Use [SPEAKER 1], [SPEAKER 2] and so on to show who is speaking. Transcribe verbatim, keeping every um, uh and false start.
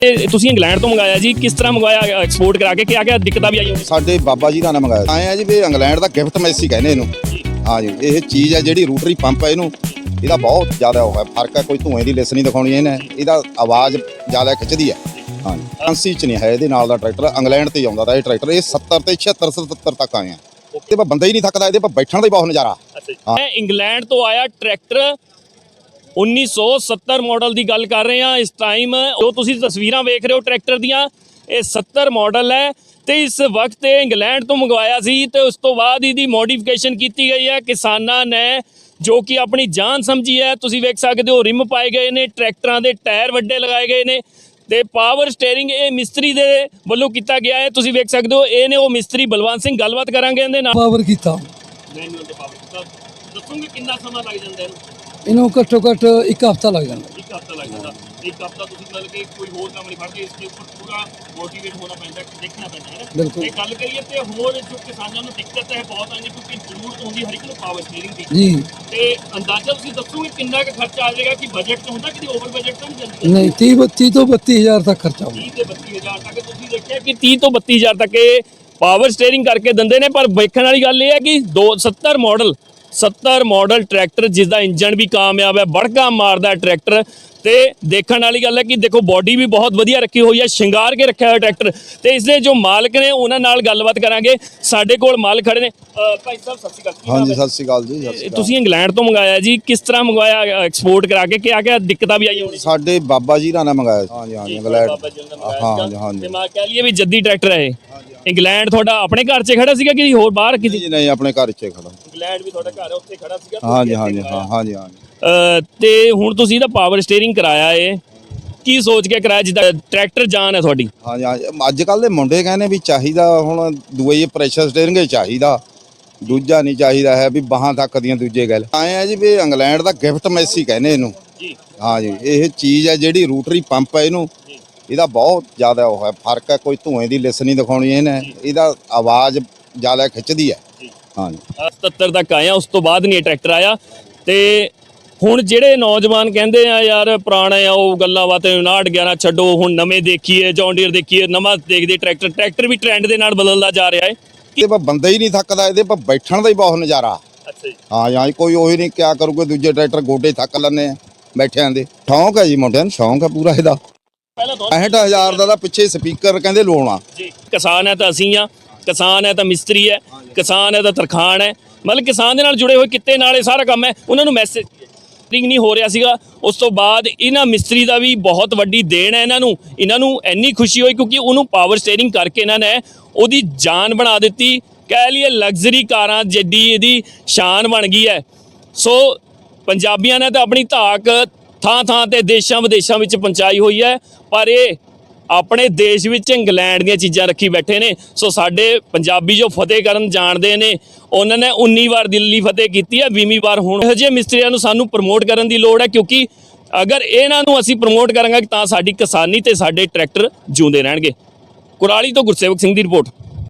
[SPEAKER 1] ਤੁਸੀਂ ਇੰਗਲੈਂਡ ਤੋਂ ਮੰਗਾਇਆ ਜੀ, ਕਿਸ ਤਰ੍ਹਾਂ ਮੰਗਵਾਇਆ ਐਕਸਪੋਰਟ ਕਰਾ ਕੇ, ਕਿਆ ਕਿਆ ਦਿੱਕਤਾਂ ਵੀ ਆਈਆਂ?
[SPEAKER 2] ਸਾਡੇ ਬਾਬਾ ਜੀ ਦਾ ਨਾ ਮੰਗਾਇਆ ਆਏ ਆ ਜੀ ਵੀ ਇੰਗਲੈਂਡ ਦਾ ਗਿਫਟ ਮੈਸੀ ਕਹਿੰਦੇ ਇਹਨੂੰ। ਹਾਂ ਜੀ, ਇਹ ਚੀਜ਼ ਹੈ ਜਿਹੜੀ ਰੂਟਰੀ ਪੰਪ ਹੈ, ਇਹਨੂੰ ਇਹਦਾ ਬਹੁਤ ਜ਼ਿਆਦਾ ਉਹ ਹੈ ਫਰਕ ਹੈ। ਕੋਈ ਧੂਏ ਦੀ ਲਿਸ ਨਹੀਂ ਦਿਖਾਉਣੀ ਇਹਨੇ, ਇਹਦਾ ਆਵਾਜ਼ ਜ਼ਿਆਦਾ ਖਿੱਚਦੀ ਹੈ। ਹਾਂ ਜੀ, ਫਰਾਂਸੀ ਚ ਨਹੀਂ ਹੈ ਇਹਦੇ ਨਾਲ ਦਾ ਟਰੈਕਟਰ, ਇੰਗਲੈਂਡ ਤੇ ਆਉਂਦਾ ਤਾਂ ਇਹ ਟਰੈਕਟਰ। ਇਹ ਸੱਤਰ ਤੇ ਛਿਹੱਤਰ ਸਤੱਤਰ ਤੱਕ ਆਏ ਆ। ਇਹਦੇ ਪਰ ਬੰਦਾ ਹੀ ਨਹੀਂ ਥੱਕਦਾ, ਇਹਦੇ ਪਰ ਬੈਠਣ ਦਾ ਹੀ ਬਹੁਤ ਨਜ਼ਾਰਾ।
[SPEAKER 1] ਹਾਂ, ਇੰਗਲੈਂਡ ਤੋਂ ਆਇਆ ਟਰੈਕਟਰ उन्नीस सौ सत्तर मॉडल की गल कर रहे हैं इस टाइम। जो तुसी तस्वीरां वेख रहे हो ट्रैक्टर दियां, ये सत्तर मॉडल है तो इस वक्त इंग्लैंड तो मंगवाया सी ते उस तो बाद इहदी मॉडिफिकेशन की गई है किसानां ने, जो कि अपनी जान समझी है। तुसी वेख सकदे हो रिम पाए गए ने, ट्रैक्टरां दे टायर वड्डे लगाए गए ने ते पावर स्टेयरिंग ये मिस्त्री दे वल्लों कीता गया है। तुसी वेख सकदे हो ये ने वो मिस्त्री बलवंत सिंह। गलबात करांगे इहदे नाल।
[SPEAKER 3] पावर कीता
[SPEAKER 1] मैनुअल ते पावर कीता, दसोगे कितना समा लग जांदा है?
[SPEAKER 3] ਇਹਨੂੰ ਘੱਟੋ ਘੱਟ ਇੱਕ ਹਫ਼ਤਾ ਲੱਗ ਜਾਂਦਾ।
[SPEAKER 1] एक हफ्ता लग जाता, एक हफ्ता तुसीं मतलब कि कोई होर काम नहीं फड़दे, इसके ऊपर पूरा मोटिवेट होना पैंदा, देखना पैंदा है ना।
[SPEAKER 3] बिल्कुल।
[SPEAKER 1] ते गल करिए ते होर जो किसानां नूं दिक्कत है बहुत आंदी, क्योंकि जरूरत होंदी हर एक नूं पावर स्टीयरिंग दी।
[SPEAKER 3] ਜੀ
[SPEAKER 1] ते अंदाजा तुसीं दसोगे किन्ना क खर्चा आ जाएगा कि बजट च हुंदा कि ओवर बजट तो नहीं जांदा?
[SPEAKER 3] ਨਹੀਂ ਤੀਹ ਬੱਤੀ ਤੋਂ ਬੱਤੀ ਹਜ਼ਾਰ ਤੱਕ ਖਰਚਾ ਹੋਊ।
[SPEAKER 1] तीस ते बत्ती हज़ार तक तुसीं देखिया कि तीस तो बत्ती हज़ार तक ये पावर स्टीयरिंग करके दिंदे ने। पर वेखण वाली गल ये है कि दो सत्तर मॉडल सत्तर मॉडल ट्रैक्टर जिसका इंजन भी कामयाब है, बड़का मारदा ट्रैक्टर। ਤੇ ਦੇਖਣ ਵਾਲੀ ਗੱਲ ਹੈ ਕਿ ਦੇਖੋ ਬੋਡੀ ਵੀ ਬਹੁਤ ਵਧੀਆ ਰੱਖੀ ਹੋਈ ਹੈ, ਸ਼ਿੰਗਾਰ ਕੇ ਰੱਖਿਆ ਹੋਇਆ ਟਰੈਕਟਰ। ਤੇ ਇਸ ਦੇ ਜੋ ਮਾਲਕ ਨੇ ਉਹਨਾਂ ਨਾਲ ਗੱਲਬਾਤ ਕਰਾਂਗੇ। ਸਾਡੇ ਕੋਲ ਮਾਲਕ ਖੜੇ ਨੇ। ਭਾਈ ਸਾਹਿਬ ਸਤਿ ਸ਼੍ਰੀ ਅਕਾਲ।
[SPEAKER 2] ਹਾਂਜੀ, ਸਤਿ ਸ਼੍ਰੀ ਅਕਾਲ ਜੀ। ਸਤਿ ਸ਼੍ਰੀ ਅਕਾਲ।
[SPEAKER 1] ਤੁਸੀਂ ਇੰਗਲੈਂਡ ਤੋਂ ਮੰਗਾਇਆ ਜੀ, ਕਿਸ ਤਰ੍ਹਾਂ ਮੰਗਵਾਇਆ ਐਕਸਪੋਰਟ ਕਰਾ ਕੇ, ਕਿਆ ਕਿਆ ਦਿੱਕਤਾਂ ਵੀ ਆਈਆਂ?
[SPEAKER 2] ਸਾਡੇ ਬਾਬਾ ਜੀ ਦਾ ਨਾ ਮੰਗਾਇਆ। ਹਾਂਜੀ ਹਾਂਜੀ, ਇੰਗਲੈਂਡ।
[SPEAKER 1] ਹਾਂ ਹਾਂ, ਤੇ ਮੈਂ ਕਹਿ ਲਈਏ ਵੀ ਜੱਦੀ ਟਰੈਕਟਰ ਹੈ ਇਹ। ਇੰਗਲੈਂਡ ਤੁਹਾਡਾ ਆਪਣੇ ਘਰ 'ਚ ਖੜਾ ਸੀਗਾ ਕਿ ਹੋਰ ਬਾਹਰ ਕਿਤੇ?
[SPEAKER 2] ਨਹੀਂ, ਆਪਣੇ ਘਰ 'ਚ ਖੜਾ।
[SPEAKER 1] ਇੰਗਲੈਂਡ ਵੀ ਤੁਹਾਡਾ ਘਰ ਹੈ, ਉੱਥੇ ਖੜਾ ਸੀਗਾ?
[SPEAKER 2] ਹਾਂਜੀ ਹਾਂਜੀ ਹਾਂ, ਹਾਂਜੀ ਹਾਂਜੀ।
[SPEAKER 1] ਤੇ ਹੁਣ ਤੁਸੀਂ ਇਹਦਾ ਪਾਵਰ ਸਟੀਅਰਿੰਗ ਕਰਾਇਆ ਏ, ਕੀ ਸੋਚ ਕੇ ਕਰਾਇਆ? ਜਿੱਦਾਂ ਟਰੈਕਟਰ ਜਾਨ ਹੈ ਤੁਹਾਡੀ।
[SPEAKER 2] ਹਾਂਜੀ ਹਾਂਜੀ, ਅੱਜ ਕੱਲ੍ਹ ਦੇ ਮੁੰਡੇ ਕਹਿੰਦੇ ਵੀ ਚਾਹੀਦਾ ਹੁਣ ਦੂਏ ਪ੍ਰੈਸ਼ਰ ਸਟੀਅਰਿੰਗ ਹੀ ਚਾਹੀਦਾ, ਦੂਜਾ ਨਹੀਂ ਚਾਹੀਦਾ ਹੈ ਵੀ ਬਾਹਾਂ ਤੱਕ ਦੀਆਂ। ਦੂਜੇ ਗੱਲ ਆਏ ਆ ਜੀ ਵੀ ਇੰਗਲੈਂਡ ਦਾ ਗਿਫਟ ਮੈਸੀ ਕਹਿੰਦੇ ਇਹਨੂੰ। ਹਾਂ ਜੀ, ਇਹ ਚੀਜ਼ ਹੈ ਜਿਹੜੀ ਰੂਟਰੀ ਪੰਪ ਹੈ, ਇਹਨੂੰ ਇਹਦਾ ਬਹੁਤ ਜ਼ਿਆਦਾ ਉਹ ਹੈ ਫਰਕ ਹੈ। ਕੋਈ ਧੂਏ ਦੀ ਲਿਸ ਨਹੀਂ ਦਿਖਾਉਣੀ ਇਹਨੇ, ਇਹਦਾ ਆਵਾਜ਼ ਜ਼ਿਆਦਾ ਖਿੱਚਦੀ ਹੈ। ਹਾਂ ਜੀ,
[SPEAKER 1] ਸਤੱਤਰ ਤੱਕ ਆਏ ਆ, ਉਸ ਤੋਂ ਬਾਅਦ ਨਹੀਂ ਇਹ ਟਰੈਕਟਰ ਆਇਆ। ਤੇ ਹੁਣ ਜਿਹੜੇ ਨੌਜਵਾਨ ਕਹਿੰਦੇ ਆ ਯਾਰ ਪੁਰਾਣੇ ਆ ਉਹ ਗੱਲਾਂ ਬਾਤਾਂ ਉਨਾਹਠ ਗਿਆਰਾਂ ਛੱਡੋ, ਹੁਣ ਨਵੇਂ ਦੇਖੀਏ, ਜੌਨ ਡੀਅਰ ਦੇਖੀਏ, ਨਵਾਂ ਦੇਖਦੇ ਟਰੈਕਟਰ। ਟਰੈਕਟਰ ਵੀ ਟ੍ਰੈਂਡ ਦੇ ਨਾਲ ਬਦਲਦਾ ਜਾ ਰਿਹਾ ਹੈ।
[SPEAKER 2] ਇਹਦੇ ਪਰ ਬੰਦਾ ਹੀ ਨਹੀਂ ਥੱਕਦਾ, ਇਹਦੇ ਪਰ ਬੈਠਣ ਦਾ ਹੀ ਬਹੁਤ ਨਜ਼ਾਰਾ।
[SPEAKER 1] ਅੱਛਾ ਜੀ।
[SPEAKER 2] ਹਾਂ ਹਾਂ, ਕੋਈ ਉਹੀ ਨਹੀਂ ਕਿਆ ਕਰੂਗੇ, ਦੂਜੇ ਟਰੈਕਟਰ ਗੋਡੇ ਥੱਕ ਲੈਂਦੇ ਆ ਬੈਠਿਆਂ ਦੇ। ਸ਼ੌਂਕ ਹੈ ਜੀ ਮੁੰਡਿਆਂ ਨੂੰ, ਸ਼ੌਂਕ ਹੈ ਪੂਰਾ ਇਹਦਾ। ਪੈਂਹਠ ਹਜ਼ਾਰ ਦਾ ਤਾਂ ਪਿੱਛੇ ਸਪੀਕਰ ਕਹਿੰਦੇ ਲਾਉਣਾ
[SPEAKER 1] ਜੀ। ਕਿਸਾਨ ਹੈ ਤਾਂ ਅਸੀਂ ਆ, ਕਿਸਾਨ ਹੈ ਤਾਂ ਮਿਸਤਰੀ ਹੈ, ਕਿਸਾਨ ਹੈ ਤਾਂ ਤਰਖਾਨ ਹੈ, ਮਤਲਬ ਕਿਸਾਨ ਦੇ ਨਾਲ ਜੁੜੇ ਹੋਏ ਕਿੱਤੇ ਨਾਲ ਇਹ ਸਾਰਾ ਕੰਮ ਹੈ। ਉਹਨਾਂ ਨੂੰ ਮੈਸੇਜ ਨਹੀਂ ਹੋ ਰਿਹਾ ਸੀਗਾ। ਉਸ ਤੋਂ ਬਾਅਦ ਇਹਨਾਂ ਮਿਸਤਰੀ ਦਾ ਵੀ ਬਹੁਤ ਵੱਡੀ ਦੇਣ ਹੈ ਇਹਨਾਂ ਨੂੰ। ਇਹਨਾਂ ਨੂੰ ਇੰਨੀ ਖੁਸ਼ੀ ਹੋਈ ਕਿਉਂਕਿ ਉਹਨੂੰ ਪਾਵਰ ਸਟੀਅਰਿੰਗ ਕਰਕੇ ਇਹਨਾਂ ਨੇ ਉਹਦੀ ਜਾਨ ਬਣਾ ਦਿੱਤੀ। ਕਹਿ ਲਈਏ ਲਗਜ਼ਰੀ ਕਾਰਾਂ ਜਿੱਡੀ ਇਹਦੀ ਸ਼ਾਨ ਬਣ ਗਈ ਹੈ। ਸੋ ਪੰਜਾਬੀਆਂ ਨੇ ਤਾਂ ਆਪਣੀ ਧਾਕ ਥਾਂ ਥਾਂ ਤੇ ਦੇਸ਼ਾਂ ਵਿਦੇਸ਼ਾਂ ਵਿੱਚ ਪਹੁੰਚਾਈ ਹੋਈ ਹੈ, ਪਰ ਇਹ ਆਪਣੇ ਦੇਸ਼ ਵਿੱਚ ਇੰਗਲੈਂਡ ਦੀਆਂ ਚੀਜ਼ਾਂ ਰੱਖੀ ਬੈਠੇ ਨੇ। ਸੋ ਸਾਡੇ ਪੰਜਾਬੀ ਜੋ ਫਤਿਹ ਕਰਨ ਜਾਣਦੇ ਨੇ, ਉਹਨਾਂ ਨੇ ਉੱਨੀ ਵਾਰ ਦਿੱਲੀ ਫਤਿਹ ਕੀਤੀ ਹੈ, ਵੀਹਵੀਂ ਵਾਰ ਹੁਣ। ਇਹੋ ਜਿਹੇ ਮਿਸਤਰੀਆਂ ਨੂੰ ਸਾਨੂੰ ਪ੍ਰਮੋਟ ਕਰਨ ਦੀ ਲੋੜ ਹੈ, ਕਿਉਂਕਿ ਅਗਰ ਇਹਨਾਂ ਨੂੰ ਅਸੀਂ ਪ੍ਰਮੋਟ ਕਰਾਂਗੇ ਤਾਂ ਸਾਡੀ ਕਿਸਾਨੀ ਤੇ ਸਾਡੇ ਟਰੈਕਟਰ ਜਿਉਂਦੇ ਰਹਿਣਗੇ। ਕੁਰਾਲੀ ਤੋਂ ਗੁਰਸੇਵਕ ਸਿੰਘ ਦੀ ਰਿਪੋਰਟ।